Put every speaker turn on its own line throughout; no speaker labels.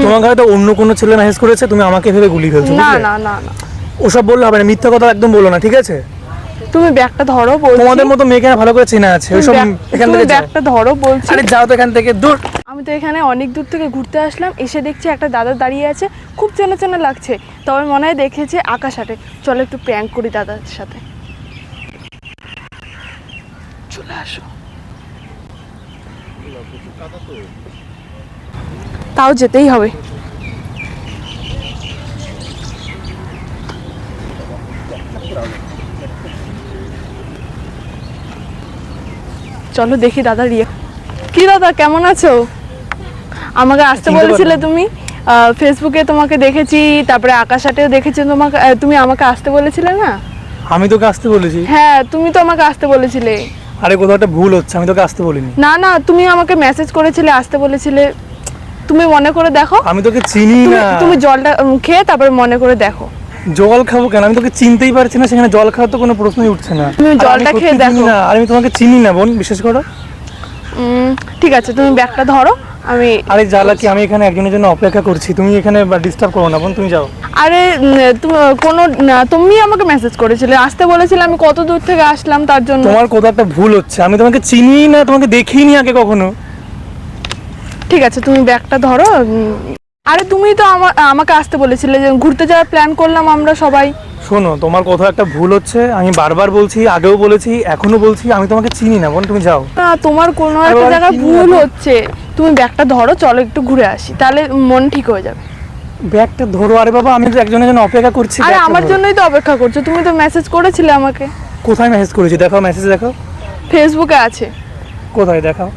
তোমাকে হয়তো অন্য কোনো ছেলে মেসেজ করেছে, তুমি আমাকে ভেবে গুলি ফেলছো।
না না না না,
ওসব বললে হবে না, মিথ্যা কথা একদম বলো না, ঠিক আছে?
তুমি ব্যাগটা ধরো বলছি।
তোমাদের মতো মেয়েকে ভালো করে চেনা আছে, ওইসব এখান থেকে
ব্যাগটা ধরো বলছি।
আরে যাও তো এখান থেকে, দূর।
আমি তো এখানে অনেক দূর থেকে ঘুরতে আসলাম, এসে দেখছি একটা দাদা দাঁড়িয়ে আছে, খুব চেনা চেনা লাগছে। তবে মনে হয় দেখেছে আকাশ হাটে। চলো একটু প্র্যাঙ্ক করি দাদার সাথে। চলে আসো। তাও যেতেই হবে। চলো দেখি দাদা রিয়া। কি দাদা কেমন আছো? আমাকে আসতে বলেছিলে তুমি, ফেসবুকে তোমাকে দেখেছি, তারপরে আকাশ হাটেও দেখেছি তোমাকে। তুমি আমাকে আসতে বলেছিলে না?
আমি তোকে আসতে বলেছি?
হ্যাঁ, তুমি তো আমাকে আসতে বলেছিলে।
আরে কোথাও একটা ভুল হচ্ছে, আমি তোকে আসতে বলিনি।
না না, তুমি আমাকে মেসেজ করেছিলে, আসতে বলেছিলে। তুমি মনে করে দেখো।
আমি তোকে চিনি না।
তুমি জলটা খেয়ে তারপরে মনে করে দেখো।
জল খাবো কেন? আমি তোকে চিনতেই পারছি না, সেখানে জল খাওয়ার তো কোনো প্রশ্নই উঠছে না।
তুমি জলটা খেয়ে দেখো।
না, আর আমি তোমাকে চিনি না বোন, বিশেষ করে।
ঠিক আছে, তুমি ব্যাগটা ধরো। আমি
আরে জ্বালা কি, আমি এখানে একজনের জন্য অপেক্ষা করছি, তুমি এখানে ডিস্টার্ব করো না বোন, তুমি যাও।
আরে তুমি আমাকে মেসেজ করেছিলে, আসতে বলেছিলে, আমি কত দূর থেকে আসলাম তার জন্য।
তোমার কোথাও একটা ভুল হচ্ছে, আমি তোমাকে চিনি না, তোমাকে দেখিনি আগে কখনো।
ঠিক আছে, তুমি ব্যাগটা ধরো। আরে তুমি তো আমাকে আসতে বলেছিলে, যে ঘুরতে যাওয়ার প্ল্যান করলাম আমরা সবাই।
শোনো, তোমার কোথাও একটা ভুল হচ্ছে, আমি বারবার বলছি, আগেও বলেছি, এখনো বলছি, আমি তোমাকে চিনি না বোন, তুমি যাও।
না, তোমার কোনো একটা জায়গায় ভুল হচ্ছে। তুমি ব্যাগটা ধরো, চলো একটু ঘুরে আসি, তাহলে মন ঠিক হয়ে যাবে।
ব্যাগটা ধরো। আরে বাবা, আমি তো একজনের জন্য অপেক্ষা করছি।
আরে আমার জন্যই তো অপেক্ষা করছো, তুমি তো মেসেজ করেছিলে আমাকে।
কোথায় মেসেজ করেছি? দেখাও, মেসেজ দেখাও।
ফেসবুকে আছে।
কোথায় দেখাও?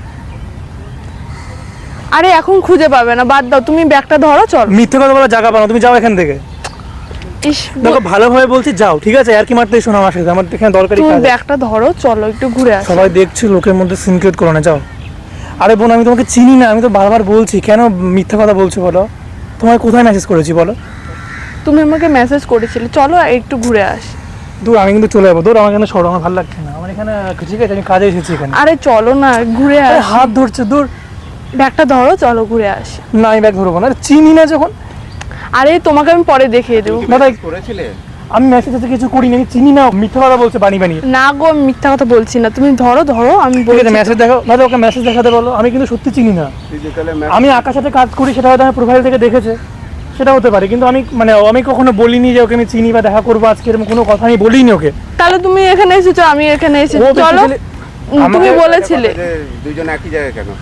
আরে এখন খুঁজে পাবে না, বাদ দাও, তুমি ব্যাগটা ধরো, চলো।
মিথ্যে কথা বলার জায়গা পাও, তুমি যাও এখান থেকে।
ইস,
দেখো ভালোভাবে বলছি, যাও, ঠিক আছে? আর কি মারতে শোনো আমার সাথে, আমার এখানে দরকারি
তুমি
কাজ আছে।
ব্যাগটা ধরো, চলো একটু ঘুরে আসি।
সবাই দেখছি, লোকের মধ্যে সিন ক্রিয়েট করো না, যাও। আরে বোন, আমি তোমাকে চিনি না, আমি তো বারবার বলছি, কেন মিথ্যা কথা বলছো বলো? তোমায় কোথায় মেসেজ করেছি বলো?
তুমি আমাকে মেসেজ করেছিলে, চলো একটু ঘুরে আসি।
দূর, আমি কিন্তু চলে যাবো, দূর, আমার এখানে সরো, আমার ভালো লাগছে না, আমার এখানে, ঠিক আছে? আমি কাজে এসেছি এখানে।
আরে চলো না, ঘুরে
আরে
আসি।
হাত ধরছে, দূর।
ব্যাগটা ধরো, চলো ঘুরে আসি।
না, আমি ব্যাগ ধরবো না, আরে চিনি না যখন।
আরে তোমাকে আমি পরে দেখিয়ে দেবো।
দাদা
করেছিলে?
আমি মেসেজ কিছু করিনি, আমি চিনি না, মিথ্যা কথা বলছে বানিয়ে বানিয়ে।
না গো, আমি মিথ্যা কথা বলছি না, তুমি ধরো ধরো, আমি
ঠিক
বলছি।
আছে, মেসেজ দেখাও দাদা, ওকে মেসেজ দেখাতে বলো, আমি কিন্তু সত্যি চিনি না। আমি আকার সাথে কাজ করি, সেটা হয়তো আমার প্রোফাইল থেকে দেখেছে, সেটা হতে পারে, কিন্তু আমি কখনো বলিনি যে ওকে আমি চিনি বা দেখা করবো আজকে, এরকম কোনো কথা আমি বলিনি ওকে।
তাহলে তুমি এখানে এসেছো, আমি এখানে এসেছি,
ও
চলো।
basically
তুমি বলেছিলে।
দুজন একই জায়গায় কেন?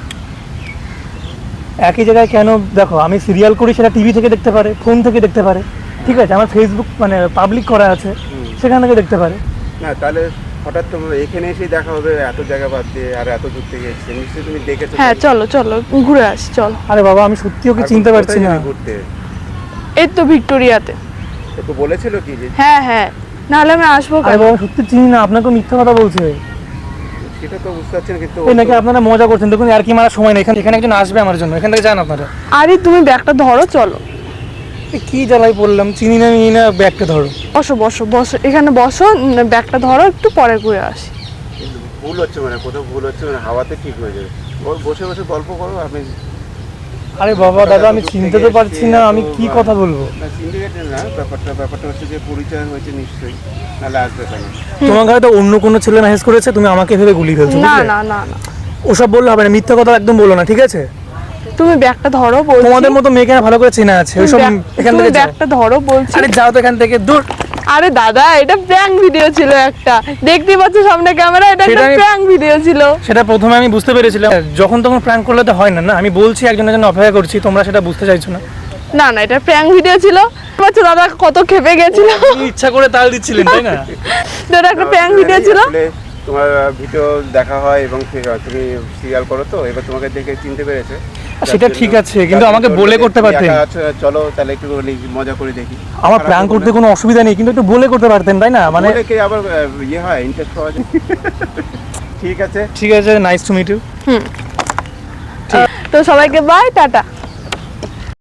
একই জায়গায় কেন? দেখো, আমি সিরিয়াল করি, সেটা টিভি থেকে দেখতে পারে, ফোন থেকে দেখতে পারে, ঠিক আছে? আমার ফেসবুক পাবলিক করা আছে, সেখান থেকে দেখতে পারে।
না, তাহলে হঠাৎ তোমার এখানে এসেই দেখা হবে, এত জায়গা বাদ দিয়ে আর এত দূর থেকে এসেছে, নিশ্চয়ই তুমি দেখেছো।
হ্যাঁ, চলো চলো ঘুরে আসি, চলো।
আরে বাবা, আমি সত্যি ওকে চিনতে পারছি না।
ঘুরতে
এই তো ভিক্টোরিয়াতে।
তো বলেছিল কি যে?
হ্যাঁ হ্যাঁ, নাহলে আমি আসবো
আরে
কেন?
বাবা, সত্যি চিনি না, আপনাকে মিথ্যা কথা বলছে।
সেটা তো বুঝতে পারছি না, কিন্তু
এই নাকি আপনারা মজা করছেন? দেখুন, আর কি মারার সময় নেই, এখানে একজন আসবে আমার জন্য, এখান থেকে যান আপনারা।
আরে তুমি ব্যাগটা ধরো, চলো।
কি জ্বালাই পড়লাম, চিনি না নিই না, ব্যাগটা ধরো।
বসো বসো বসো, এখানে বসো, ব্যাগটা ধরো, একটু পরে ঘুরে আসি।
ভুল হচ্ছে, কোথাও ভুল হচ্ছে, হাওয়াতে ঠিক হয়ে যাবে। বসে বসে গল্প করো আপনি।
আরে বাবা দাদা, আমি চিনতে তো পারছি না, আমি কি কথা বলবো?
না, সিন্ডিকেটের না, ব্যাপারটা হচ্ছে যে পরিচয় হয়েছে নিশ্চয়ই, নাহলে আসবে কেন?
তোমাকে হয়তো অন্য কোনো ছেলে মেসেজ করেছে, তুমি আমাকে ভেবে গুলি ফেলছো।
না না না না,
ওসব বললে হবে না, মিথ্যা কথা একদম বলো না, ঠিক আছে?
তুমি ব্যাগটা ধরো বলছি।
তোমাদের মতো মেয়েকে ভালো করে চেনা আছে, ওইসব এখান থেকে যাও।
ব্যাগটা ধরো বলছি।
আরে যাও তো এখান থেকে, দূর।
আরে দাদা, এটা প্র্যাঙ্ক ভিডিও ছিল একটা, দেখতে পাচ্ছ সামনে ক্যামেরা, এটা একটা প্র্যাঙ্ক ভিডিও ছিল।
সেটা প্রথমে আমি বুঝতে পেরেছিলাম, যখন তখন প্র্যাঙ্ক করলে তো হয় না। না, আমি বলছি একজনের জন্য অপেক্ষা করছি, তোমরা সেটা বুঝতে চাইছো না।
না না, এটা প্র্যাঙ্ক ভিডিও ছিল। পাচ্ছ দাদা কত খেপে গেছিল।
আপনি ইচ্ছা করে তাল দিচ্ছিলেন, তাই না?
এটা একটা প্র্যাঙ্ক ভিডিও ছিল।
তোমার ভিডিও দেখা হয় এবং তুমি সিরিয়াল করো, তো এবার তোমাকে দেখে চিনতে পেরেছে।
সেটা ঠিক আছে, কিন্তু আমাকে বলে করতে পারতেন।
চলো তাহলে একটু মজা করে দেখি।
আমার প্র্যাঙ্ক করতে কোনো অসুবিধা নেই, কিন্তু একটু বলে করতে পারতেন, তাই না?
কি আবার ইয়ে হয়, ইন্টারেস্ট পাওয়া যায়। ঠিক আছে,
ঠিক আছে, নাইস টু মিট ইউ।
তো সবাইকে বাই, টাটা।